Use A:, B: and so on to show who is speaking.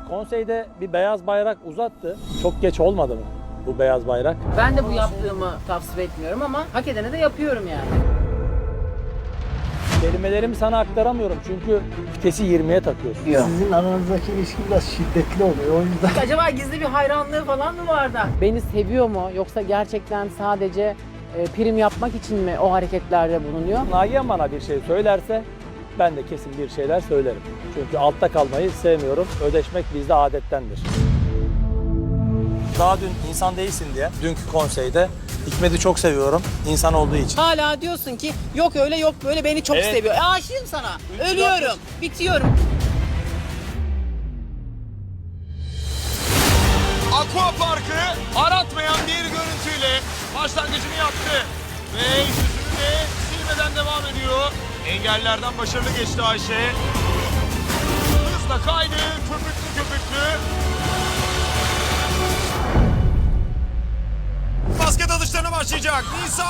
A: Konseyde bir beyaz bayrak uzattı. Çok geç olmadı mı bu beyaz bayrak?
B: Ben de bu yaptığımı tavsiye etmiyorum ama hak edene de yapıyorum yani.
A: Kelimelerimi sana aktaramıyorum çünkü vitesi 20'ye takıyorsun.
C: Sizin aranızdaki ilişki biraz şiddetli oluyor o yüzden.
B: Acaba gizli bir hayranlığı falan mı var da? Beni seviyor mu yoksa gerçekten sadece prim yapmak için mi o hareketlerde bulunuyor?
A: Nagihan bana bir şey söylerse ben de kesin bir şeyler söylerim. Çünkü altta kalmayı sevmiyorum. Ödeşmek bizde adettendir. Daha dün insan değilsin diye dünkü konseyde Hikmet'i çok seviyorum insan olduğu için.
B: Hala diyorsun ki yok öyle yok böyle beni çok
A: Evet.
B: seviyor. Aşığım sana. Ölüyorum. Bitiyorum.
D: Aqua Park'ı aratmayan bir görüntüyle başlangıcını yaptı. Ve yüzünü de silmeden devam ediyor. Engellerden başarılı geçti Ayşe. Hızla kaydı, köpüklü köpüklü. Basket atışlarına başlayacak. Nisa.